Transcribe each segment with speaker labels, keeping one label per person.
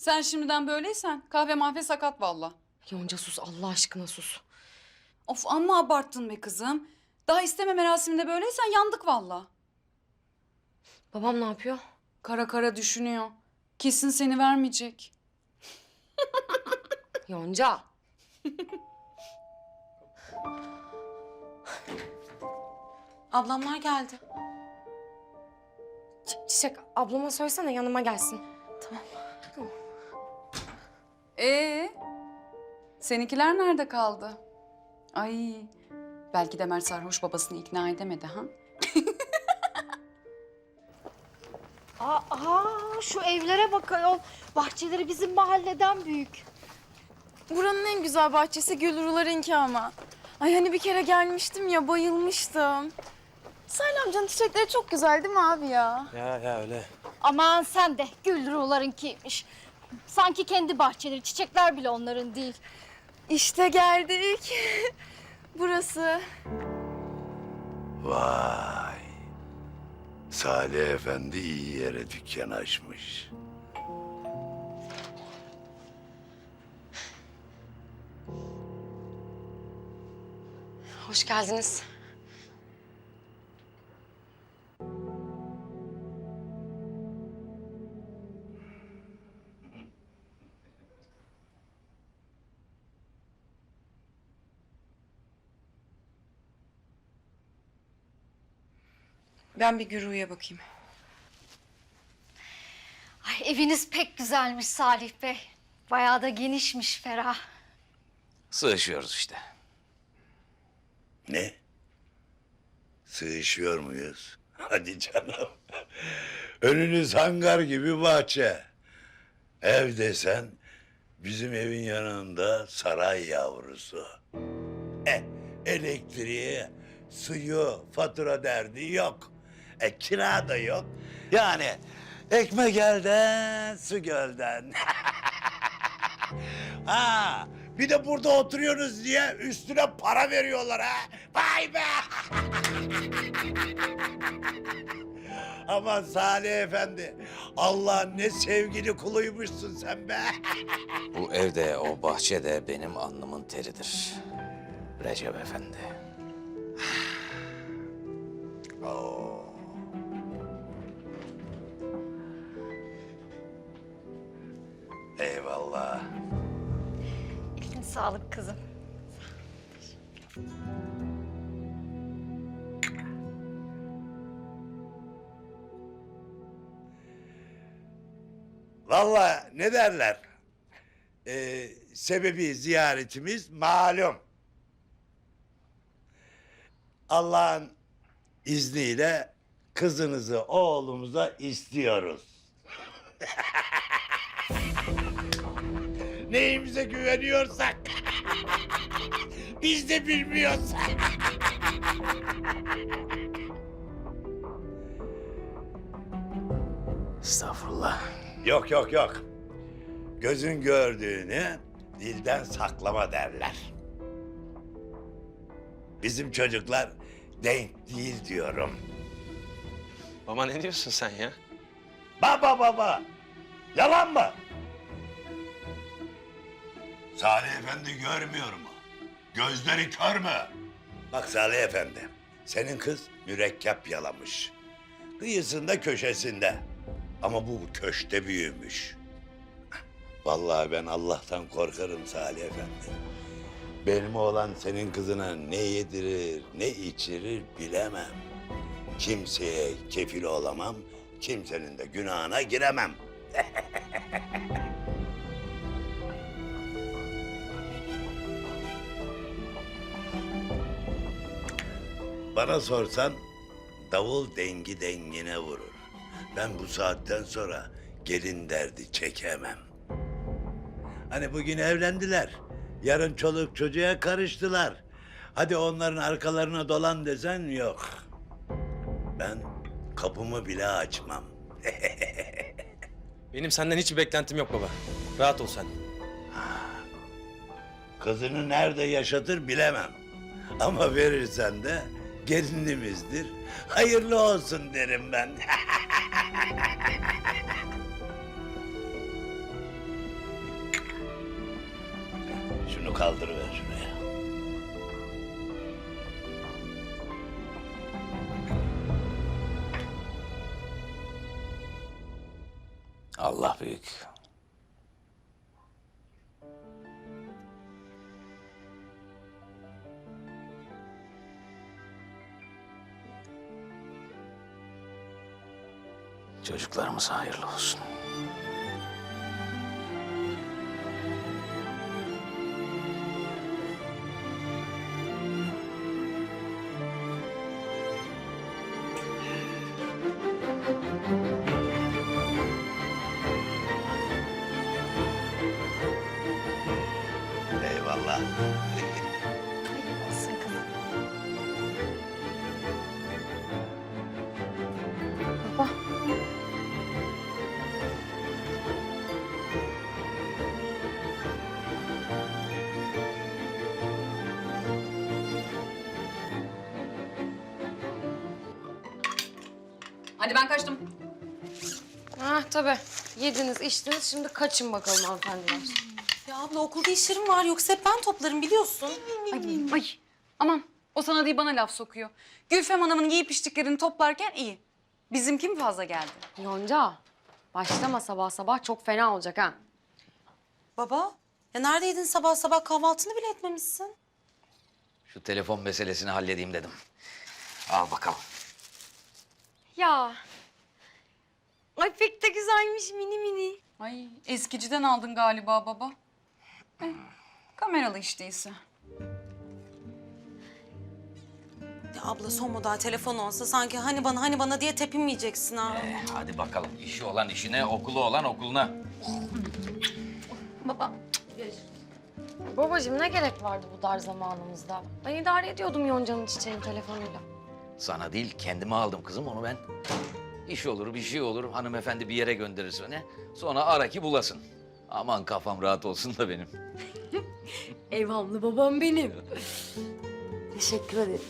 Speaker 1: Sen şimdiden böyleysen kahve mahve sakat valla.
Speaker 2: Yonca sus, Allah aşkına sus.
Speaker 1: Of amma abarttın be kızım. Daha isteme merasiminde böyleysen yandık valla.
Speaker 2: Babam ne yapıyor?
Speaker 1: Kara kara düşünüyor. Kesin seni vermeyecek.
Speaker 2: Yonca.
Speaker 3: Ablamlar geldi.
Speaker 2: Çiçek, ablama söylesene yanıma gelsin.
Speaker 1: Seninkiler nerede kaldı? Ay, belki de Mert sarhoş babasını ikna edemedi ha?
Speaker 4: Şu evlere bak ayol. Bahçeleri bizim mahalleden büyük.
Speaker 5: Buranın en güzel bahçesi Gülrular'ınki ama. Ay hani bir kere gelmiştim ya, bayılmıştım. Salih amcanın çiçekleri çok güzel değil mi abi ya?
Speaker 6: Ya öyle.
Speaker 4: Aman sen de Gülrular'ınkiymiş. Sanki kendi bahçeleri, çiçekler bile onların değil.
Speaker 5: İşte geldik. Burası.
Speaker 7: Vay. Salih Efendi iyi yere dükkan açmış.
Speaker 2: Hoş geldiniz.
Speaker 3: Ben bir Güru'ya bakayım.
Speaker 4: Ay, eviniz pek güzelmiş Salih Bey. Bayağı da genişmiş, ferah.
Speaker 6: Sığışıyoruz işte.
Speaker 7: Ne? Sığışıyor muyuz? Hadi canım. Önünüz hangar gibi bahçe. Ev desen bizim evin yanında saray yavrusu. Elektriği, suyu, fatura derdi yok. Kira da yok. Yani ekmek elden, su gölden. Ha, bir de burada oturuyorsunuz diye üstüne para veriyorlar ha. Vay be! Aman Salih Efendi, Allah'ın ne sevgili kuluymuşsun sen be.
Speaker 6: Bu evde, o bahçede benim alnımın teridir. Recep Efendi.
Speaker 7: Oo. Eyvallah.
Speaker 4: Eline sağlık kızım.
Speaker 7: Vallahi ne derler? Sebebi ziyaretimiz malum. Allah'ın izniyle kızınızı oğlumuza istiyoruz. Neyimize güveniyorsak biz de bilmiyoruz.
Speaker 6: Estağfurullah.
Speaker 7: Yok yok yok. Gözün gördüğünü dilden saklama derler. Bizim çocuklar denk değil diyorum.
Speaker 6: Baba ne diyorsun sen ya?
Speaker 7: Baba. Yalan mı? Salih Efendi görmüyor mu? Gözleri kör mü? Bak Salih Efendi, senin kız mürekkep yalamış. Kıyısında köşesinde. Ama bu köşte büyümüş. Vallahi ben Allah'tan korkarım Salih Efendi. Benim oğlan senin kızına ne yedirir, ne içirir bilemem. Kimseye kefil olamam, kimsenin de günahına giremem. Bana sorsan davul dengi dengine vurur. Ben bu saatten sonra gelin derdi çekemem. Hani bugün evlendiler, yarın çoluk çocuğa karıştılar. Hadi onların arkalarına dolan desen yok. Ben kapımı bile açmam.
Speaker 8: Benim senden hiçbir beklentim yok baba. Rahat ol sen.
Speaker 7: Kızını nerede yaşatır bilemem. Ama verirsen de gelinimizdir. Hayırlı olsun derim ben. Şunu kaldırıver şuraya.
Speaker 6: Allah büyük. Çocuklarımız hayırlı olsun.
Speaker 7: Eyvallah.
Speaker 2: Olsun kızım. Baba.
Speaker 1: Hadi ben kaçtım.
Speaker 2: Ha tabii. Yediniz, içtiniz. Şimdi kaçın bakalım hanımefendiler.
Speaker 3: Ya abla okulda işlerim var yoksa hep ben toplarım biliyorsun.
Speaker 1: Ay aman o sana değil bana laf sokuyor. Gülfem Hanım'ın giyip içtiklerini toplarken iyi. Bizimki mi fazla geldi?
Speaker 2: Yonca, başlama sabah sabah çok fena olacak ha.
Speaker 3: Baba ya neredeydin sabah sabah kahvaltını bile etmemişsin.
Speaker 6: Şu telefon meselesini halledeyim dedim. Al bakalım.
Speaker 2: Ya. Ay pek de güzelmiş mini mini.
Speaker 1: Ay eskiciden aldın galiba baba. Kameralı iş değilse.
Speaker 3: Ya abla son model telefon olsa sanki hani bana diye tepinmeyeceksin ha.
Speaker 6: Hadi bakalım. İşi olan işine, okulu olan okuluna.
Speaker 2: Babacığım ne gerek vardı bu dar zamanımızda? Ben idare ediyordum Yonca'nın çiçeğin telefonuyla.
Speaker 6: Sana değil, kendime aldım kızım onu ben. İş olur, bir şey olur. Hanımefendi bir yere gönderirse ne? Sonra ara ki bulasın. Aman kafam rahat olsun da benim.
Speaker 2: Evhamlı babam benim. Teşekkür ederim.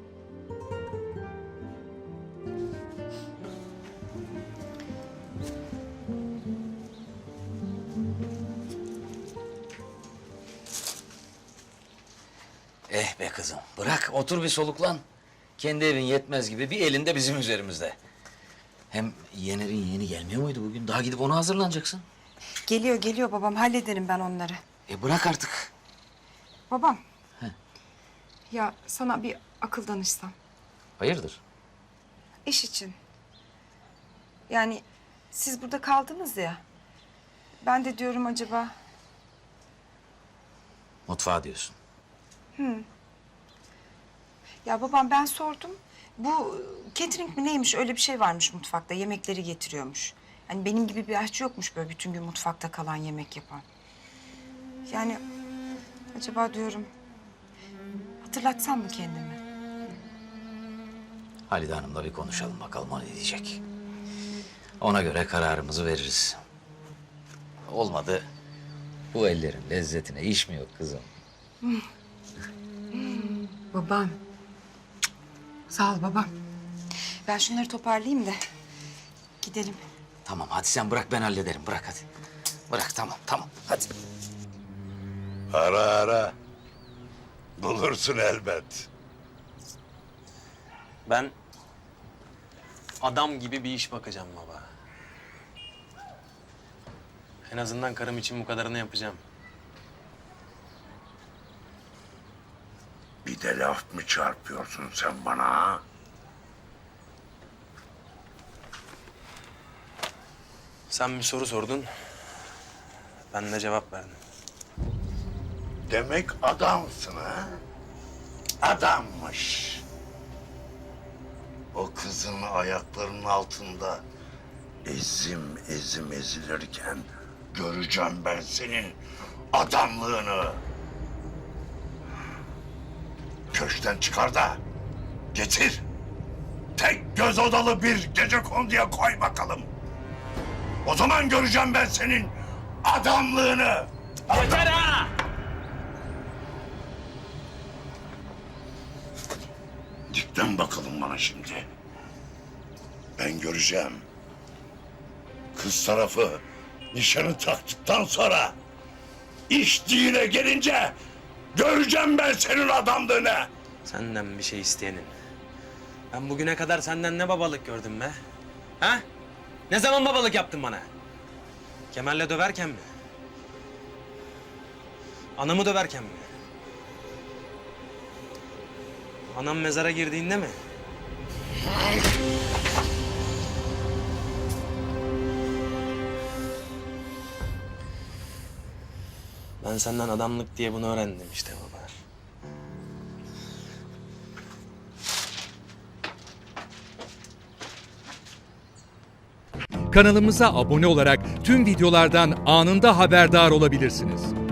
Speaker 6: Eh be kızım, bırak otur bir soluklan. Kendi evin yetmez gibi bir elinde bizim üzerimizde. Hem Yener'in yeğeni gelmiyor muydu bugün? Daha gidip ona hazırlanacaksın.
Speaker 3: Geliyor babam hallederim ben onları.
Speaker 6: Bırak artık.
Speaker 3: Babam. Ya sana bir akıl danışsam.
Speaker 6: Hayırdır?
Speaker 3: İş için. Yani siz burada kaldınız ya. Ben de diyorum acaba...
Speaker 6: Mutfağa diyorsun.
Speaker 3: Ya babam ben sordum. Bu catering mi neymiş öyle bir şey varmış mutfakta. Yemekleri getiriyormuş. Hani benim gibi bir aşçı yokmuş böyle bütün gün mutfakta kalan yemek yapan. Yani acaba diyorum hatırlatsam mı kendimi?
Speaker 6: Halide Hanım'la bir konuşalım bakalım o ne diyecek. Ona göre kararımızı veririz. Olmadı. Bu ellerin lezzetine iş mi yok kızım?
Speaker 3: Babam. Sağ ol babam. Ben şunları toparlayayım da gidelim.
Speaker 6: Tamam hadi sen bırak ben hallederim. Bırak hadi. Bırak tamam hadi.
Speaker 7: Ara. Bulursun elbet.
Speaker 8: Ben adam gibi bir iş bakacağım baba. En azından karım için bu kadarını yapacağım.
Speaker 7: Bir de laf mı çarpıyorsun sen bana ha?
Speaker 8: Sen bir soru sordun. Ben de cevap verdim.
Speaker 7: Demek adamsın ha? Adammış. O kızın ayaklarının altında ezim ezilirken göreceğim ben senin adamlığını. Köşkten çıkar da getir. Tek göz odalı bir gecekonduya koy bakalım. O zaman göreceğim ben senin adamlığını.
Speaker 8: Yeter ha!
Speaker 7: Dikten bakalım bana şimdi. Ben göreceğim. Kız tarafı nişanı taktıktan sonra İşçiyle gelince göreceğim ben senin adamlığını.
Speaker 8: Senden bir şey isteyenin. Ben bugüne kadar senden ne babalık gördüm be? Ha? Ne zaman babalık yaptın bana? Kemal'le döverken mi? Anamı döverken mi? Anam mezara girdiğinde mi? Ben senden adamlık diye bunu öğrendim işte baba.
Speaker 9: Kanalımıza abone olarak tüm videolardan anında haberdar olabilirsiniz.